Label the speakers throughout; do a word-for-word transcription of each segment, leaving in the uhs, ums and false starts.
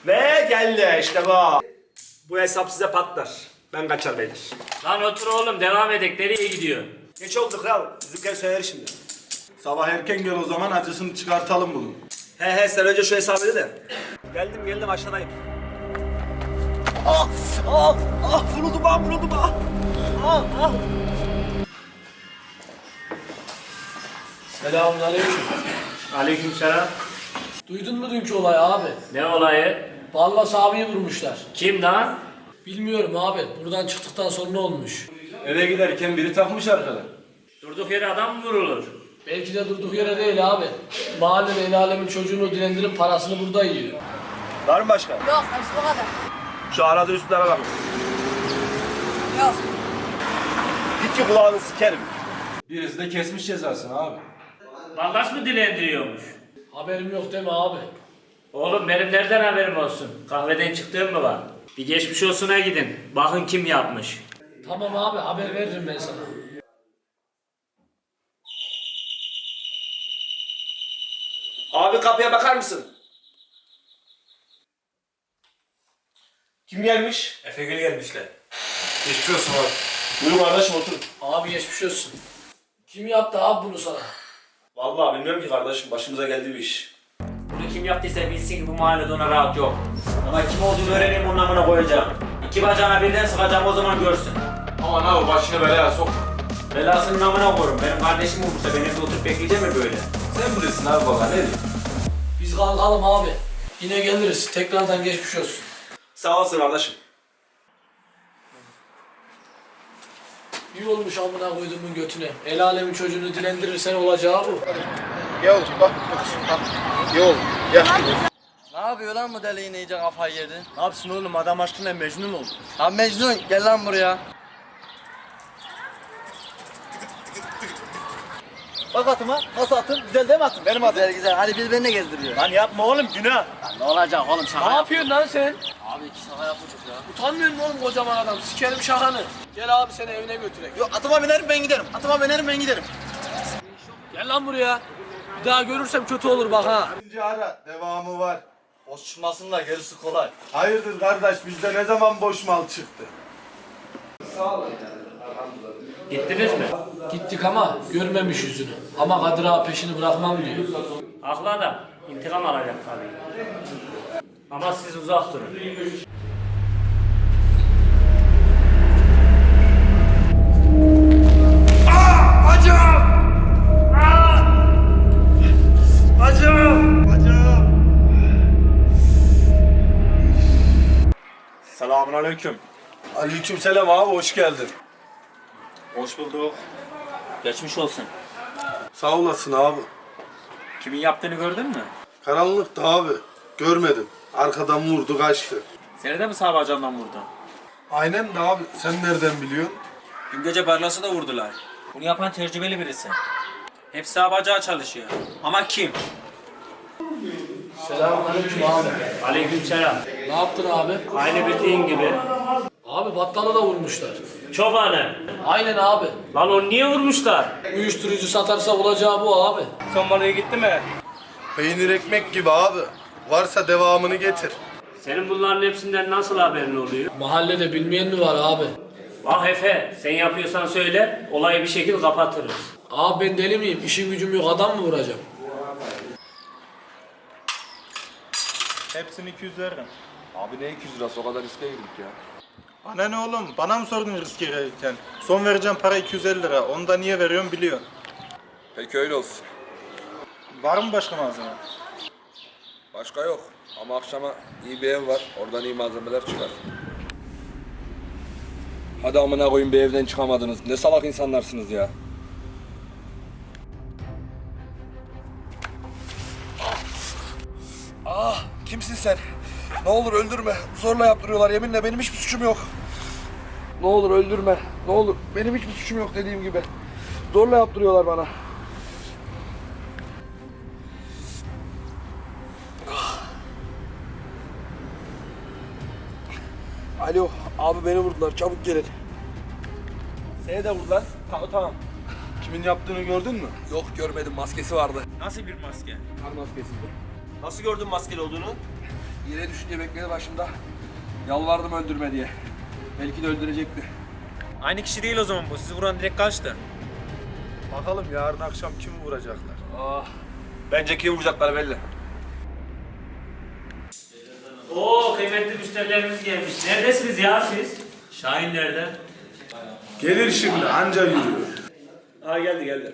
Speaker 1: Ve geldi işte bu. Bu hesap size patlar. Ben kaçar beyler.
Speaker 2: Lan otur oğlum devam edek. Nereye gidiyor?
Speaker 1: Geç oldu kral. Bizimkiler söyler şimdi.
Speaker 3: Sabah erken gel o zaman acısını çıkartalım bunun.
Speaker 1: He he sen önce şu hesabı öde de. Geldim geldim aşağıdayım. Ah ah ah vuruldum ah vuruldum ah. Ah ah.
Speaker 4: Selamünaleyküm.
Speaker 2: Aleykümselam.
Speaker 4: Duydun mu dünkü olayı abi?
Speaker 2: Ne olayı?
Speaker 4: Ballas abiyi vurmuşlar.
Speaker 2: Kim lan?
Speaker 4: Bilmiyorum abi. Buradan çıktıktan sonra ne olmuş?
Speaker 3: Eve giderken biri takmış arkada.
Speaker 2: Durduk yere adam mı vurulur?
Speaker 4: Belki de durduk yere değil abi. Mahallede el alemin çocuğunu dilendirip parasını burada yiyor.
Speaker 1: Var mı başka?
Speaker 5: Yok, hepsi bu kadar.
Speaker 1: Şu arada üstlere bak.
Speaker 5: Yok.
Speaker 1: Git ki kulağını sikerim.
Speaker 3: Birisi de kesmiş cezasını abi.
Speaker 2: Vallahi mı dilendiriyormuş?
Speaker 4: Haberim yok deme abi.
Speaker 2: Oğlum benim nereden haberim olsun? Kahveden çıktığım mı var? Bir geçmiş olsuna gidin. Bakın kim yapmış.
Speaker 4: Tamam abi haber veririm ben sana.
Speaker 1: Abi kapıya bakar mısın? Kim gelmiş?
Speaker 6: Efegül gelmişler.
Speaker 3: Geçmiş olsun abi.
Speaker 1: Buyurun kardeşim oturun.
Speaker 4: Abi geçmiş olsun. Kim yaptı abi bunu sana?
Speaker 1: Vallahi bilmiyorum ki kardeşim başımıza geldi bir iş.
Speaker 2: Bunu kim yaptıysa bilsin ki bu mahallede ona rahat yok. Ama kim olduğunu öğreneyim onun amına koyacağım. İki bacağına birden sıkacağım o zaman görsün.
Speaker 3: Aman abi başını belaya sok.
Speaker 2: Belasının amına koyarım. Benim kardeşim olursa ben evde oturup bekleyeceğim mi böyle?
Speaker 3: Sen bilirsin abi baba ne diyeyim.
Speaker 4: Biz kalkalım abi. Yine geliriz. Tekrardan geçmiş olsun.
Speaker 1: Sağ olasın kardeşim.
Speaker 4: İyi olmuş amına koyduğumun götüne. El alemin çocuğunu dilendirirsen olacağı bu.
Speaker 3: Gel otur bak. Bak. Gel oğlum. Gel.
Speaker 7: Ne yapıyor lan bu deli yine iyice kafayı yedi?
Speaker 1: Ne yapsın oğlum adam aşkına Mecnun oldu.
Speaker 7: Lan Mecnun gel lan buraya.
Speaker 1: Bak atıma nasıl atın güzel değil mi atın benim atım.
Speaker 7: Güzel güzel hadi birbirini gezdiriyor.
Speaker 1: Lan yapma oğlum günah.
Speaker 7: Lan ne olacak oğlum şaka
Speaker 4: Ne
Speaker 7: yap.
Speaker 4: yapıyorsun lan sen?
Speaker 7: Abi iki şaka yapmışız ya.
Speaker 4: Utanmıyor musun oğlum kocaman adam? Sikerim şakanı. Gel abi seni evine götürek.
Speaker 1: Yok atıma binerim ben giderim. Atıma binerim ben giderim.
Speaker 4: Gel lan buraya. Bir daha görürsem kötü olur bak ha.
Speaker 3: İkinci ara devamı var.
Speaker 7: Boş çıkmasın da gerisi kolay.
Speaker 3: Hayırdır kardeş bizde ne zaman boş mal çıktı?
Speaker 2: Gittiniz mi?
Speaker 4: Gittik ama görmemiş yüzünü. Ama Kadir ağa peşini bırakmam diyor.
Speaker 2: Haklı adam. İntikam alacak tabii. Ama siz uzak durun.
Speaker 1: Selamünaleyküm.
Speaker 3: Aleykümselam abi hoş geldin.
Speaker 1: Hoş bulduk.
Speaker 2: Geçmiş olsun.
Speaker 3: Sağ olasın abi.
Speaker 2: Kimin yaptığını gördün mü?
Speaker 3: Karanlıktı abi. Görmedim. Arkadan vurdu kaçtı.
Speaker 2: Seni de mi sağ bacağından vurdu?
Speaker 3: Aynen de abi sen nereden biliyorsun?
Speaker 6: Dün gece Barlas'ı da vurdular. Bunu yapan tecrübeli birisi. Hepsi sağ bacağı çalışıyor. Ama kim?
Speaker 4: Selamünaleyküm abi.
Speaker 2: Aleykümselam.
Speaker 4: Ne yaptın abi?
Speaker 2: Aynı bildiğin gibi.
Speaker 4: Abi battalı da vurmuşlar.
Speaker 2: Çobanı.
Speaker 4: Aynen abi.
Speaker 2: Lan onu niye vurmuşlar?
Speaker 4: Uyuşturucu satarsa olacağı bu abi.
Speaker 6: Son balığı gitti mi?
Speaker 3: Peynir ekmek gibi abi. Varsa devamını getir.
Speaker 2: Senin bunların hepsinden nasıl haberin oluyor?
Speaker 4: Mahallede bilmeyen mi var abi?
Speaker 2: Vah Efe, sen yapıyorsan söyle, olayı bir şekilde kapatırız.
Speaker 4: Abi ben deli miyim? İşim gücüm yok adam mı vuracağım?
Speaker 8: Hepsini iki yüz veririm.
Speaker 3: Abi ne iki yüz lirası o kadar riske girdik ya.
Speaker 8: Bana ne oğlum? Bana mı sordun riski verirken? Son vereceğim para iki yüz elli lira. Onu da niye veriyorum biliyorsun.
Speaker 3: Peki öyle olsun.
Speaker 8: Var mı başka malzeme?
Speaker 3: Başka yok. Ama akşama iyi bir ev var. Oradan iyi malzemeler çıkar. Hadi amına koyun bir evden çıkamadınız. Ne salak insanlarsınız ya. Ah, kimsin sen? Ne olur öldürme. Zorla yaptırıyorlar. Yeminle benim hiçbir suçum yok. Ne olur öldürme. Ne olur. Benim hiçbir suçum yok dediğim gibi. Zorla yaptırıyorlar bana. Alo, abi beni vurdular. Çabuk gelin.
Speaker 1: Seni de vurdular. Tamam tamam.
Speaker 3: Kimin yaptığını gördün mü? Yok görmedim. Maskesi vardı.
Speaker 6: Nasıl bir maske?
Speaker 3: Kar maskesiydi.
Speaker 1: Nasıl gördün maskeli olduğunu?
Speaker 3: Yere düşünce bekledi başımda. Yalvardım öldürme diye. Belki de öldürecekti.
Speaker 6: Aynı kişi değil o zaman bu. Sizi vuran direkt kaçtı.
Speaker 8: Bakalım yarın akşam kimi vuracaklar.
Speaker 1: Ah. Bence kim vuracaklar belli.
Speaker 2: Oo kıymetli müşterilerimiz gelmiş. Neredesiniz ya siz? Şahin nerede?
Speaker 8: Gelir şimdi anca yürüyor.
Speaker 1: Ha geldi geldi.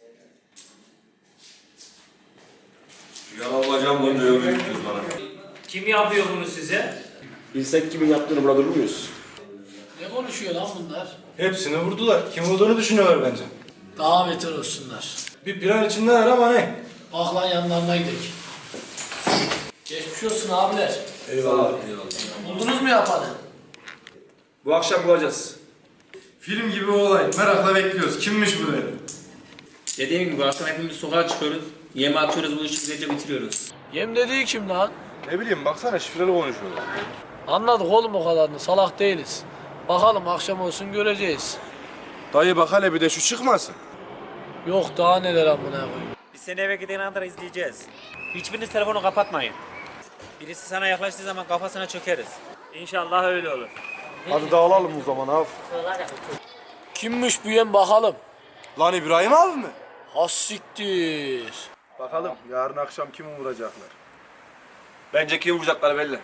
Speaker 1: Yalan bacağım bunu diyor büyüktünüz bana.
Speaker 2: Kim yapıyor bunu size?
Speaker 1: Bilsek kimin yaptığını burada durur muyuz?
Speaker 4: Ne konuşuyor lan bunlar?
Speaker 8: Hepsini vurdular. Kim olduğunu düşünüyorlar bence.
Speaker 4: Daha beter olsunlar.
Speaker 8: Bir plan içindeler ama ne?
Speaker 4: Bak lan yanlarına gidelim. Geçmiş olsun abiler.
Speaker 1: Eyvallah.
Speaker 4: Buldunuz mu yapanı?
Speaker 1: Bu akşam bulacağız.
Speaker 8: Film gibi olay. Merakla bekliyoruz. Kimmiş bu dedi?
Speaker 6: Dediğim gibi akşam hepimiz sokağa çıkıyoruz. Yeme atıyoruz, bu işi güzelce bitiriyoruz.
Speaker 4: Yem dediği kim lan?
Speaker 8: Ne bileyim baksana şifreli konuşuyorlar.
Speaker 4: Anladık oğlum o kadarını. Salak değiliz. Bakalım akşam olsun göreceğiz.
Speaker 8: Dayı bak hele bir de şu çıkmasın.
Speaker 4: Yok daha neler amına koyayım.
Speaker 6: Biz seni eve gidene kadar izleyeceğiz. Hiçbiriniz telefonu kapatmayın. Birisi sana yaklaştığı zaman kafasına çökeriz.
Speaker 2: İnşallah öyle olur.
Speaker 8: Hadi dağılalım o zaman abi.
Speaker 4: Kimmiş bu yem bakalım.
Speaker 8: Lan İbrahim abi mi?
Speaker 4: Hassiktir.
Speaker 8: Bakalım yarın akşam kimi vuracaklar.
Speaker 1: Bence kim vuracaklar belli.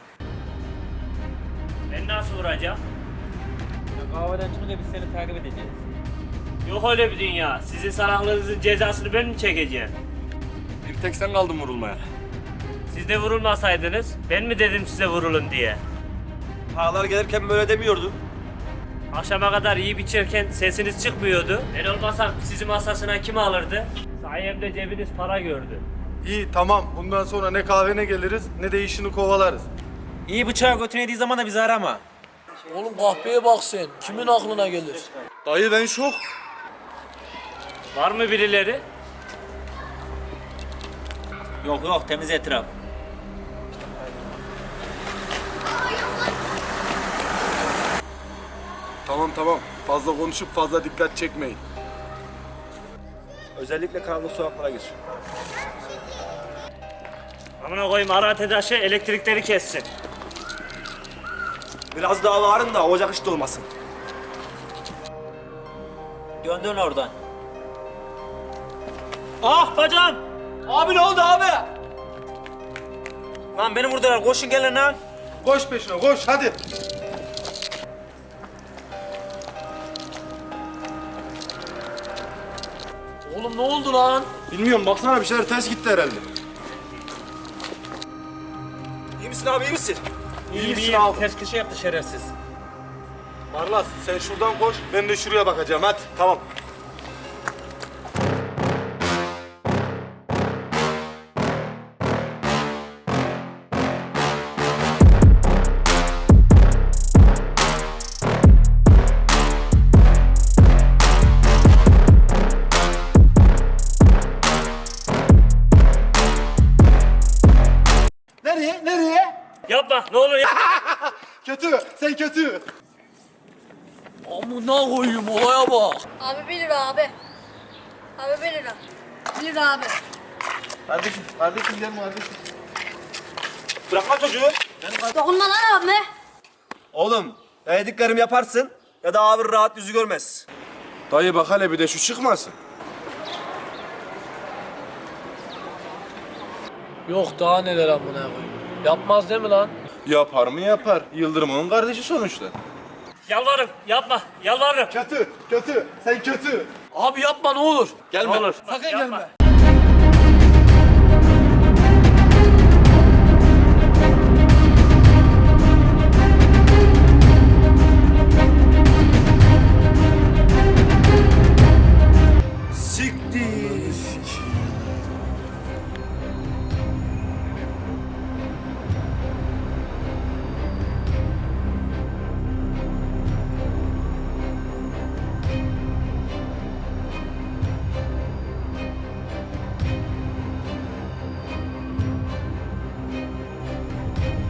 Speaker 2: Ben nasıl vuracağım?
Speaker 6: Kahveden çıkınca biz seni takip edeceğiz.
Speaker 2: Yok öyle bir dünya. Sizin salaklığınızın cezasını ben mi çekeceğim?
Speaker 1: Bir tek sen kaldın vurulmaya.
Speaker 2: Siz de vurulmasaydınız ben mi dedim size vurulun diye?
Speaker 1: Ağlar gelirken böyle demiyordun.
Speaker 2: Akşama kadar yiyip içerken sesiniz çıkmıyordu. Ben olmasam sizi masasına kim alırdı? Sayemde cebiniz para gördü.
Speaker 8: İyi tamam. Bundan sonra ne kahvene geliriz ne de işini kovalarız.
Speaker 6: İyi bıçağı götüne yediği zaman da bizi arama.
Speaker 4: Oğlum kahveye bak sen. Kimin aklına gelir?
Speaker 8: Dayı ben şok.
Speaker 2: Var mı birileri?
Speaker 6: Yok yok, temiz etraf.
Speaker 8: Tamam tamam. Fazla konuşup fazla dikkat çekmeyin.
Speaker 1: Özellikle karanlık sokaklara gir.
Speaker 2: Amına koyayım ara tedaşı elektrikleri kessin.
Speaker 1: Biraz daha bağırın da ocak işte olmasın.
Speaker 6: Dön dön oradan.
Speaker 2: Ah bacağım!
Speaker 1: Abi ne oldu abi?
Speaker 6: Lan beni vurdular, koşun gelin lan.
Speaker 8: Koş peşine koş hadi.
Speaker 4: Oğlum ne oldu lan?
Speaker 8: Bilmiyorum baksana bir şeyler ters gitti herhalde.
Speaker 1: İyi misin abi iyi misin?
Speaker 6: İyi iyi, abi. Ters köşe yaptı şerefsiz.
Speaker 8: Marlas sen şuradan koş ben de şuraya bakacağım hadi tamam. Nereye? Nereye?
Speaker 2: Yapma ne olur ya.
Speaker 8: Kötü. Sen kötü.
Speaker 4: Amına koyayım olaya bak.
Speaker 5: Abi bir lira abi. Abi bir lira. Bir lira abi.
Speaker 8: Kardeşim, kardeşim gelme kardeşim.
Speaker 1: Bırakma çocuğu.
Speaker 5: Dokunma lan abime.
Speaker 1: Oğlum ya dediklerimi yaparsın ya da abi rahat yüzü görmez.
Speaker 8: Dayı bak hele bir de şu çıkmasın.
Speaker 4: Yok daha neler amına koyayım. Yapmaz değil mi lan?
Speaker 8: Yapar mı yapar. Yıldırım onun kardeşi sonuçta.
Speaker 2: Yalvarırım yapma yalvarırım.
Speaker 8: Kötü, kötü. Sen kötü.
Speaker 4: Abi yapma ne olur.
Speaker 1: Gelme.
Speaker 2: Ne olur.
Speaker 4: Sakın
Speaker 2: Yapma.
Speaker 4: gelme.